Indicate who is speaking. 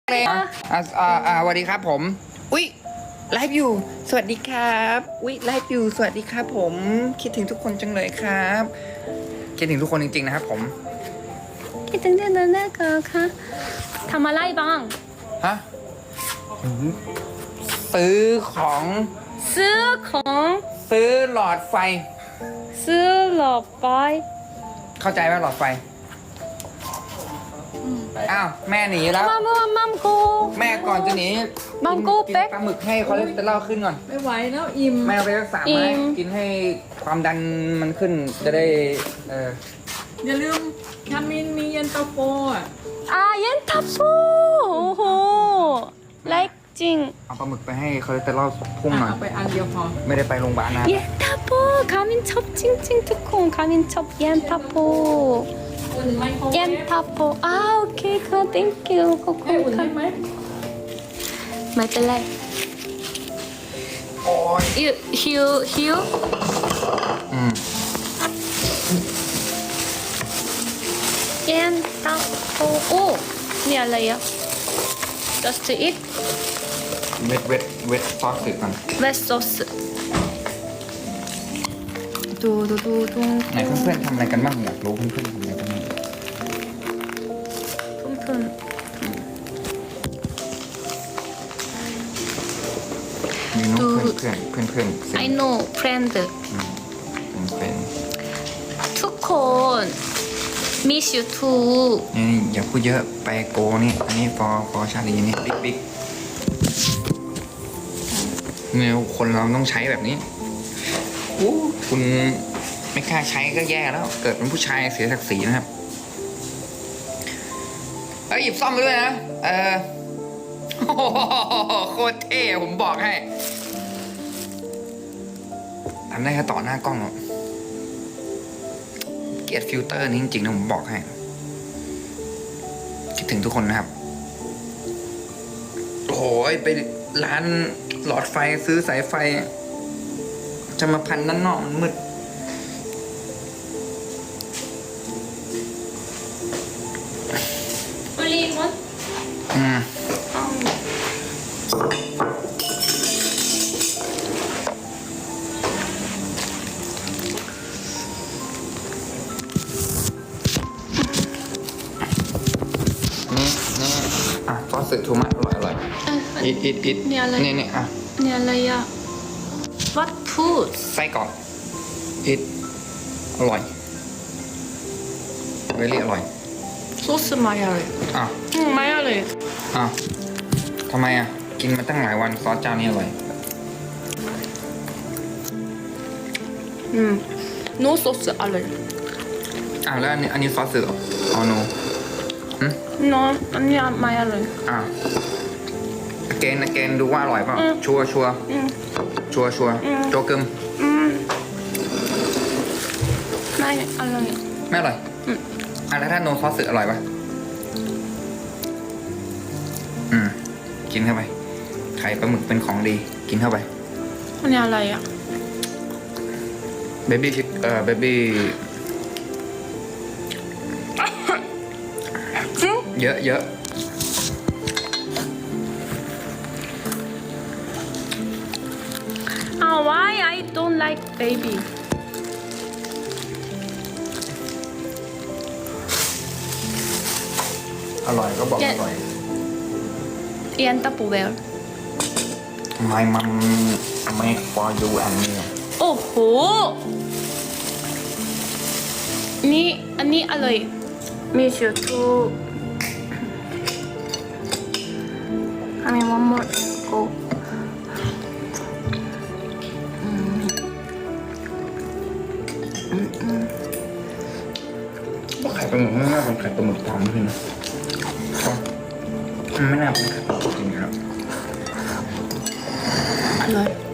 Speaker 1: เลยสวัสดีครับผมอุ๊ยไลฟ์อยู่สวัสดีครับอุ๊ยไลฟ์อยู่สวัสดีครับผมคิดถึงทุกคนจังเลยครับคิดถึงทุกคนจริงๆนะครับผม
Speaker 2: คิดถึงเดือนนั้นก็ค่ะทำอะไรบ้าง
Speaker 1: ฮะซื้อของ
Speaker 2: ซื้อของ
Speaker 1: ซื้อหลอดไฟ
Speaker 2: ซื้อหลอดไฟ
Speaker 1: เข้าใจไหมหลอดไฟอ้าวแม่หนีแล้ว
Speaker 2: มัมกู
Speaker 1: แม่ก่อนจะหนี
Speaker 2: มัมกู
Speaker 1: กิน
Speaker 2: เป๊ก
Speaker 1: ปลาหมึกให้คอเลสเตอรอลขึ้นก่อน
Speaker 3: ไม่ไหวแล้วอิ่ม
Speaker 1: แม่เอาไปรักษาไหมกินให้ความดันมันขึ้นจะได้
Speaker 3: อย่าลืมคามินมีเย็นตาโฟอ่ะ
Speaker 2: เย็นทับโฟโอ้โหไลค์จริง
Speaker 1: เอาปลาหมึกไปให้คอเลสเตอรอลพุ่งหน่อย
Speaker 3: เอาไปอันเดียวพอ
Speaker 1: ไม่ได้ไปโรงพยาบาลนะ
Speaker 2: เย็นทับโฟคามินชอบจริงๆทุกคนคามินชอบเย็นทับโฟ
Speaker 3: อุ่นไหมโค
Speaker 2: เย็นทับโฟโอเคค่ะ thank you ขอบคุณ
Speaker 3: อุ่น
Speaker 2: ค่ะ
Speaker 3: ได้ไหม
Speaker 2: ไม่เป็นไร
Speaker 1: โอ้ย
Speaker 2: หิวเย็นทับโฟโอ้นี่อะไรอ่ะ just eat
Speaker 1: เวทซอสสึก่อน
Speaker 2: wet sauce ดู
Speaker 1: ไหนเพื่อนๆทำอะไรกันบ้างอยากรู้เพื่อนๆทำอะไรกันบ้าง
Speaker 2: เพื่อน
Speaker 1: มีน้องเพื่อน
Speaker 2: I know friend
Speaker 1: เป็น
Speaker 2: ทุกคน miss you too
Speaker 1: นี่อย่าพูดเยอะไปโกนี่อันนี้ฟอชาลีนี่บิ๊กเนี่ยคนเราต้องใช้แบบนี้คุณไม่กล้าใช้ก็แย่แล้วเกิดเป็นผู้ชายเสียศักดิ์ศรีนะครับหยิบซ่อมไปด้วยนะโคตรเท่ผมบอกให้ทำได้แค่ต่อหน้ากล้องหรอกเกลียดฟิลเตอร์นี้จริงๆนะผมบอกให้คิดถึงทุกคนนะครับโอ้ยไปร้านหลอดไฟซื้อสายไฟจะมาพันด้านนอกมันมืด
Speaker 2: only one
Speaker 1: ซอสสึทูมะอร่อยอิด
Speaker 2: เนี่ยอะไร
Speaker 1: นี่
Speaker 2: เนี่ยอะไรอ่ะ what food
Speaker 1: ไส้กรอกอิดอร่อยเวลี่อร่อย
Speaker 2: 소스ไม่อร่อยไม่อร่อย
Speaker 1: ทำไมกินมาตั้งหลายวันซอสเจ้านี้อร่อย
Speaker 2: no sauce อร่อย
Speaker 1: แล้วอันนี้ซอสสึเหรอno
Speaker 2: no อันนี้ไม่อร่อย
Speaker 1: เกนดูว่าอร่อยเปล่าชัวร์โจกึม
Speaker 2: ไม่อร่อย
Speaker 1: ไม่อร่อยแล้วถ้าโนซอสสึอร่อยปะกินเข้าไปไข่ปลาหมึกเป็นของดีกินเข้าไป
Speaker 2: อันนี้อะไร
Speaker 1: เบบี้เยอะ
Speaker 2: why I don't like baby
Speaker 1: อร่อยก็บอกอร่อย
Speaker 2: เย็นตาปูเวล
Speaker 1: My mom make for you and me
Speaker 2: โอ้โหนี่อันนี้อร่อยมีชูทูI mean one more go
Speaker 1: ไข่ปลาหมึกไม่น่าเป็นไข่ปลาหมึกปลอมเลยนะไม่น่าเป็นไข่ปลาหมึกจริงๆครับ
Speaker 2: อร่อย